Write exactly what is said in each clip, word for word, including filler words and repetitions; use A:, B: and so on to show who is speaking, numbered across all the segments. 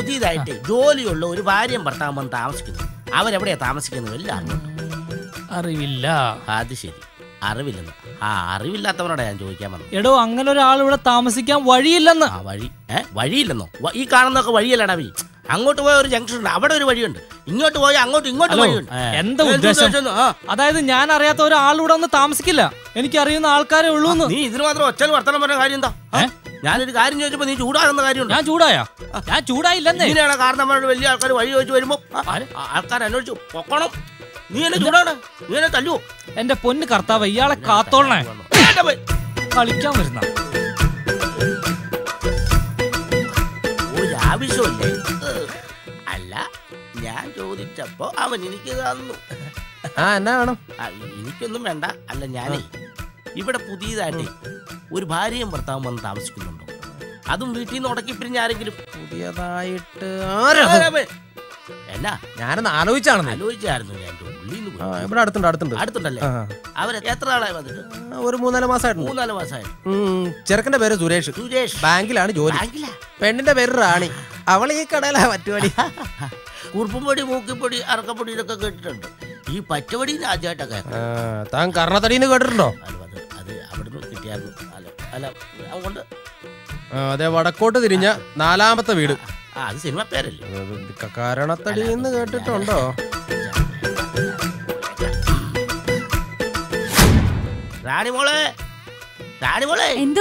A: പുതിയതായിട്ട് ജോലിയുള്ള ഒരു ഭാര്യയും ഭർത്താവും വന്ന് താമസിക്കുന്നു. അവരെവിടെയാ താമസിക്കുന്നത് എല്ലാം
B: അറിവില്ല.
A: അത് ശരി, അറിവില്ലെന്ന്. ആ അറിവില്ലാത്തവരോടാ ഞാൻ ചോദിക്കാൻ വന്നത്.
B: എടോ അങ്ങനെ ഒരാൾ ഇവിടെ താമസിക്കാൻ വഴിയില്ലെന്ന്.
A: ആ വഴി ഏ വഴിയില്ലെന്നോ? ഈ കാണുന്നൊക്കെ വഴിയല്ലടാ വഴി. അങ്ങോട്ട് പോയ ഒരു ജംഗ്ഷൻ ഉണ്ട്, അവിടെ ഒരു വഴിയുണ്ട്. ഇങ്ങോട്ട് പോയാൽ അങ്ങോട്ട് ഇങ്ങോട്ട് വഴിയുണ്ട്.
B: എന്താ ഉദ്ദേശം? അതായത് ഞാൻ അറിയാത്ത ഒരാളിവിടെ ഒന്ന് താമസിക്കില്ല, എനിക്കറിയുന്ന ആൾക്കാരെ ഉള്ളൂ.
A: നീ ഇതിന് മാത്രം ഒറ്റ വർത്തനം പറഞ്ഞ കാര്യം എന്താ? ഞാനൊരു കാര്യം ചോദിച്ചപ്പോ നീ ചൂടാകുന്ന കാര്യമുണ്ട്.
B: ഞാൻ ചൂടായാ? ഞാൻ ചൂടായില്ലെന്നേ.
A: ഇങ്ങനെയാണ് കാരണന്മാരോട് വലിയ ആൾക്കാർ വഴി ചോദിച്ചു വരുമ്പോ ആൾക്കാർ അന്വേഷിച്ചു പൊക്കണം. നീ എന്നെ ചൂടാണ്, നീ എന്നെ തല്ലുവോ?
B: എന്റെ പൊന്ന് കർത്താവ്, ഇയാളെ കാത്തോളണേ. കളിക്കാൻ വരുന്ന
A: ഒരാവശ്യമില്ലേ? അല്ല, ഞാൻ ചോദിച്ചപ്പോ അവൻ എനിക്ക് തന്നു.
C: ആ എന്നാ വേണം?
A: എനിക്കൊന്നും വേണ്ട. അല്ല, ഞാനേ ഇവിടെ പുതിയതായിട്ട് ഒരു ഭാര്യയും ഭർത്താവും വന്ന് താമസിക്കുന്നുണ്ടോ? അതും വീട്ടിൽ നിന്ന് ഉടക്കി പിരിഞ്ഞ ആരെങ്കിലും
C: പുതിയതായിട്ട്?
A: എന്നാ
C: ഞാനൊന്ന് ആലോചിച്ചാണ്
A: ആലോചിച്ചായിരുന്നു. ഞാൻ
C: ഇവിടെ അടുത്തുണ്ട് അടുത്തുണ്ട്
A: അടുത്തുണ്ടല്ലേ? അവര് എത്ര നാളായി വന്നിട്ട്?
C: ഒരു മൂന്നാല് മാസമായിട്ട്.
A: മൂന്നാല് മാസമായിട്ട്.
C: ചെറുക്കന്റെ പേര് സുരേഷ്.
A: സുരേഷ്
C: ബാങ്കിലാണ് ജോലി. പെണ്ണിന്റെ പേര് റാണി. അവൾ ഈ കടയിലാ പറ്റുപടി.
A: കുറുപ്പുംപൊടി, മൂക്കിപ്പൊടി, അറക്കപ്പൊടി ഇതൊക്കെ കേട്ടിട്ടുണ്ട്. ഈ പച്ചവടി ആദ്യമായിട്ടൊക്കെ.
C: താൻ കർണത്തടിന്ന് കേട്ടിട്ടുണ്ടോ?
A: അത് അവിടുന്ന് കിട്ടിയായിരുന്നു. അല്ല അതുകൊണ്ട്
C: അതെ, വടക്കോട്ട് തിരിഞ്ഞ നാലാമത്തെ വീട്.
A: അത് സിനിമ പേരല്ലേ?
C: കരണത്തടി എന്ന് കേട്ടിട്ടുണ്ടോ?
A: റാണിമോളെ, റാണിമോളെ.
D: എന്തോ?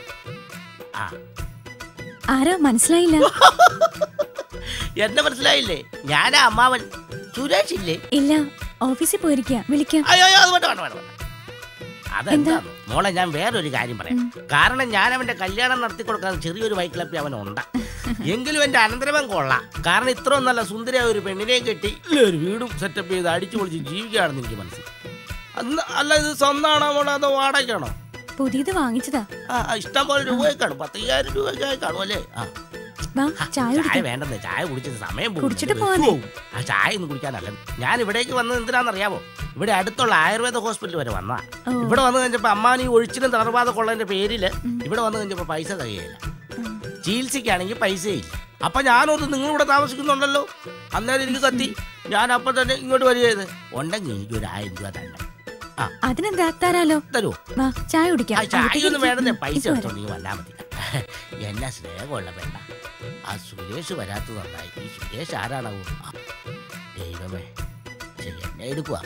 D: ആരാ മനസ്സിലായില്ല?
A: എന്നെ മനസ്സിലായില്ലേ? ഞാനാ അമ്മാവൻ സുരേഷ് ഇല്ലേ?
D: ഇല്ല, ഓഫീസിൽ പോയിരിക്കാം, വിളിക്കാം.
A: അയ്യോ അത് വേണ്ട വേണ്ട വേണ്ട. അതെന്താ മോളെ, ഞാൻ വേറൊരു കാര്യം പറയാം. കാരണം ഞാൻ അവന്റെ കല്യാണം നടത്തി കൊടുക്കാൻ ചെറിയൊരു വൈക്ലപ്പി അവനുണ്ട്. എങ്കിലും എന്റെ അനന്തരവൻ കൊള്ളാം. കാരണം ഇത്രയും നല്ല സുന്ദരിയായ ഒരു പെണ്ണിനെയും കെട്ടി ഒരു വീടും സെറ്റപ്പ് ചെയ്ത് അടിച്ചു പൊളിച്ച് ജീവിക്കുകയാണെന്ന് എനിക്ക് മനസ്സിലായി. അല്ല, ഇത് സ്വന്തമാണോ മോളെ അതോ വാടകയ്ക്കാണോ?
D: പുതിയത് വാങ്ങിച്ചതാ.
A: ഇഷ്ടം പോലെ രൂപയ്ക്കാണ്, പത്തയ്യായിരം രൂപയ്ക്കായി കാണും അല്ലേ? ചായ വേണ്ടെന്നേ, ചായ കുടിച്ചത് സമയം പോകും. ആ ചായ ഒന്നും കുടിക്കാനല്ല. ഞാൻ ഇവിടേക്ക് വന്നത് എന്തിനാണെന്നറിയാമോ? ഇവിടെ അടുത്തുള്ള ആയുർവേദ ഹോസ്പിറ്റൽ വരെ വന്നാ. ഇവിടെ വന്നു കഴിഞ്ഞപ്പോ അമ്മാൻ ഈ ഒഴിച്ചിലും തളർവാദം കൊള്ളതിന്റെ പേരില് ഇവിടെ വന്നു കഴിഞ്ഞപ്പോ പൈസ തികയില്ല. ചികിത്സയ്ക്കാണെങ്കിൽ പൈസയില്ല. അപ്പൊ ഞാനോർത്ത് നിങ്ങളിവിടെ താമസിക്കുന്നുണ്ടല്ലോ, അന്നേരം എനിക്ക് കത്തി. ഞാൻ അപ്പൊ തന്നെ ഇങ്ങോട്ട് വരികയത്. ഉണ്ടെങ്കിൽ എനിക്ക് ഒരു ആയിരം രൂപ തന്നെ.
D: അതിനെന്താ, തരാലോ.
A: തരുമോ?
D: ചായ കുടിക്കാം.
A: ചായ ഒന്നും വേണ്ടേ, പൈസ എടുത്തോണ്ടെങ്കിൽ വന്നാ മതി. എന്നാ സ്നേഹമുള്ള വേണ്ട. ആ സുരേഷ് വരാത്തത് നന്നായി. ഈ സുരേഷ് ആരാണാവോ? ദൈവമേ, എന്നെ എടുക്കുക.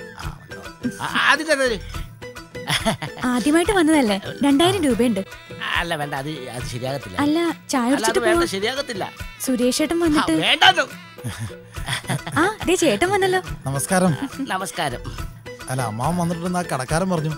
D: ആദ്യമായിട്ട് വന്നതല്ലേ, രണ്ടായിരം രൂപയുണ്ട്.
A: അല്ല വേണ്ട, അത് അത് ശരിയാകത്തില്ല.
D: അല്ല, ചായ
A: വേണ്ട, ശരിയാകത്തില്ല.
D: സുരേഷ് ഏട്ടൻ വന്നിട്ട്
A: വേണ്ടോ?
D: ആ ദേ ചേട്ടൻ വന്നല്ലോ.
E: നമസ്കാരം.
A: നമസ്കാരം.
E: അല്ല, അമ്മാവൻ വന്നിട്ടുണ്ടെന്ന് ആ കടക്കാരൻ പറഞ്ഞു.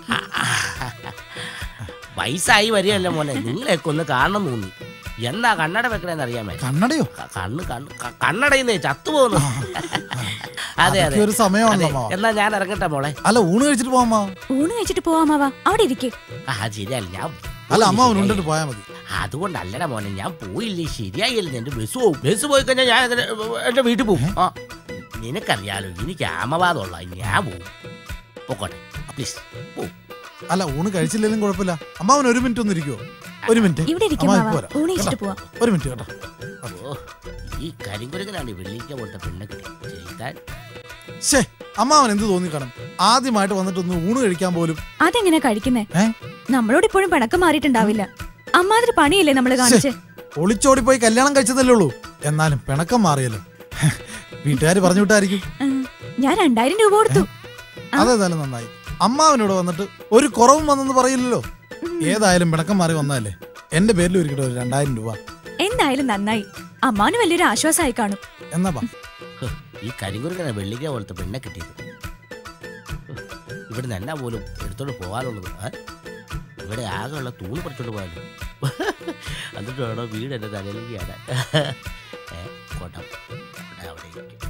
A: വയസ്സായി വരികയല്ലേ മോനെ, നിങ്ങളെയൊക്കെ ഒന്ന് കാണണം തോന്നി. എന്താ കണ്ണട വെക്കണേന്ന് അറിയാമേ?
E: കണ്ണടയോ?
A: കണ്ണ് കണ്ണ് കണ്ണടയുന്നേ ചത്തുപോകുന്നു. അതെ അതെ,
E: ഒരു സമയമാണല്ലോ.
A: എന്നാ ഞാൻ ഇറങ്ങട്ടെ മോളെ.
E: അല്ല, ഊണ് കഴിച്ചിട്ട് പോവാ.
D: ഊണ് കഴിച്ചിട്ട് പോവാമാവാ, അവിടെ ഇരിക്കേ.
A: ആ ശരിയല്ല, ഞാൻ
E: അല്ല അമ്മാവൻ ഉണ്ടിട്ട് പോയാ മതി.
A: അതുകൊണ്ടല്ലടാ മോനെ, ഞാൻ പോയില്ലേ ശരിയായില്ല. എന്റെ ബസ് പോവും. ബസ് പോയി കഴിഞ്ഞാൽ ഞാൻ എന്റെ വീട്ടിൽ പോകും. ആ നിനക്കറിയാലോ, എനിക്ക് ആമവാദമുള്ള, ഞാൻ പോവും. പോക്കോട്ടെ പ്ലീസ്, പോ.
E: അല്ല, ഊണ് കഴിച്ചില്ലെങ്കിലും കുഴപ്പമില്ല. അമ്മാവൻ ഒരു മിനിറ്റ് ഒന്ന് ഇരിക്കുവോ? ഒരു മിനിറ്റ്. ഒരു മിനിറ്റ് കേട്ടോ.
A: ഓ, ഈ കരിങ്കുരങ്ങനാണ് വെള്ളിക്ക പോലത്തെ പെണ്ണെ കിട്ടി ചെയ്താൽ.
E: ശേ, അമ്മാവൻ എന്ത് തോന്നിക്കാണും? ആദ്യമായിട്ട് വന്നിട്ടൊന്ന് ഊണ് കഴിക്കാൻ പോലും.
D: അതെങ്ങനെ കഴിക്കുന്നേ? നമ്മളോട് ഇപ്പോഴും പിണക്കം മാറിയിട്ടുണ്ടാവില്ല. അമ്മാതിരി പണിയല്ലേ നമ്മള് കാണിച്ചേ?
E: ഒളിച്ചോടി പോയി കല്യാണം കഴിച്ചതല്ലേ ഉള്ളൂ. എന്നാലും പിണക്കം മാറിയല്ലോ. വീട്ടുകാര് പറഞ്ഞു വിട്ടായിരിക്കും.
D: ഞാൻ രണ്ടായിരം രൂപ കൊടുത്തു.
E: അതേതായാലും നന്നായി. അമ്മാവനോട് വന്നിട്ട് ഒരു കുറവും വന്നെന്ന് പറയില്ലല്ലോ. ഏതായാലും പിണക്കം മാറി വന്നതല്ലേ. എന്റെ പേരിൽ ഒരുക്കിട്ട് ഒരു രണ്ടായിരം രൂപ.
D: എന്തായാലും നന്നായി. അമ്മാവന് വലിയൊരു ആശ്വാസമായി കാണും.
E: എന്നാ
A: ഈ കരിങ്കുരങ്ങന വെള്ളിക്ക പോലത്തെ പെണ്ണെ കിട്ടിയത്. ഇവിടെ നിന്ന് പോലും എടുത്തോണ്ട് പോകാനുള്ളത്. ഇവിടെ ആകെയുള്ള തൂണ് പറിച്ചോണ്ട് പോയാലോ. എന്നിട്ട് വേണോ വീട് എന്റെ തലയിലേക്ക് ആടാൻ. കോട്ടം അവിടെ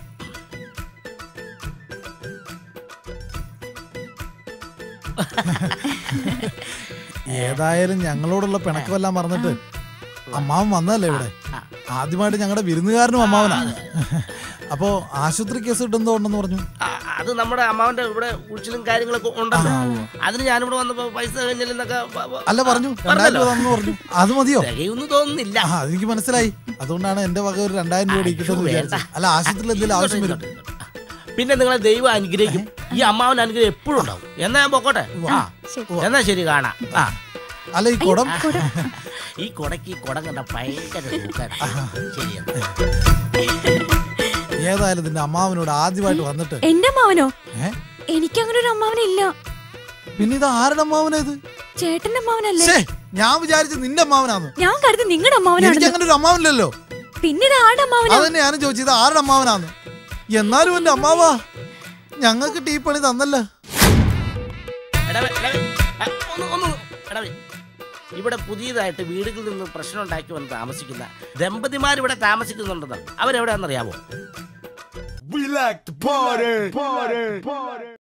E: ഏതായാലും ഞങ്ങളോടുള്ള പിണക്കമെല്ലാം മറന്നിട്ട് അമ്മാവൻ വന്നതല്ലേ ഇവിടെ. ആദ്യമായിട്ട് ഞങ്ങളുടെ വിരുന്നുകാരനും അമ്മാവനാ. അപ്പോ ആശുപത്രി കേസ് കിട്ടുന്നോ ഉണ്ടെന്ന് പറഞ്ഞു.
A: അത് നമ്മുടെ അമ്മാവന്റെ ഇവിടെ ഉഴിച്ചിലും കാര്യങ്ങളൊക്കെ ഉണ്ടല്ലോ. അതിന് ഞാനിവിടെ വന്നപ്പോ പൈസ കഴിഞ്ഞില്ലെന്നൊക്കെ
E: അല്ല പറഞ്ഞു രണ്ടായിരം രൂപ തന്നു പറഞ്ഞു. അത് മതിയോ?
A: തികയൊന്നും തോന്നുന്നില്ല.
E: അതെനിക്ക് മനസ്സിലായി. അതുകൊണ്ടാണ് എന്റെ വക ഒരു രണ്ടായിരം രൂപ ഇരിക്കട്ടെന്ന് വിചാരിച്ചത്. അല്ല ആശുപത്രിയിൽ എന്തെങ്കിലും ആവശ്യം വരും.
A: പിന്നെ നിങ്ങളെ ദൈവം അനുഗ്രഹിക്കും. ഈ അമ്മാവൻ അനുഗ്രഹം എപ്പോഴും ഉണ്ടാവും. എന്നാ ഞാൻ പൊക്കോട്ടെ. എന്നാ ശരി, കാണാം. ആ
E: അല്ല ഈ കുടം,
A: ഈ കുടക്ക് ഈ കുടം കണ്ട ഭയങ്കര ശരിയാണ്.
E: ഏതായാലും നിന്റെ അമ്മാവനോട് ആദ്യമായിട്ട് വന്നിട്ട്.
D: എന്റെ അമ്മാവനോ? എനിക്ക് അങ്ങനെ ഒരു അമ്മാവനില്ല.
E: പിന്നെ ഇത് ആരുടെ അമ്മാവനേത്?
D: ചേട്ടന്റെ അമ്മാവനല്ലേ?
E: ഞാൻ വിചാരിച്ചു നിന്റെ അമ്മാവനാന്ന്.
D: ഞാൻ കരുതി നിങ്ങളുടെ അമ്മാവനാണ്.
E: എനിക്ക് അങ്ങനെ ഒരു അമ്മാവനില്ലല്ലോ.
D: പിന്നെ ഇത് ആരുടെ അമ്മാവനാ?
E: അതന്നെ ഞാനും ചോദിച്ചത് ആരുടെ അമ്മാവനാന്ന്. എന്നാലും എന്റെ അമ്മാവാ ഞങ്ങൾക്ക് ടീ പണി തന്നല്ലോ.
A: ഇവിടെ പുതിയതായിട്ട് വീടുകളിൽ നിന്ന് പ്രശ്നം ഉണ്ടാക്കി വന്ന് താമസിക്കുന്ന ദമ്പതിമാർ ഇവിടെ താമസിക്കുന്നുണ്ടെന്ന്. അവരെവിടെയാണെന്നറിയാമോ?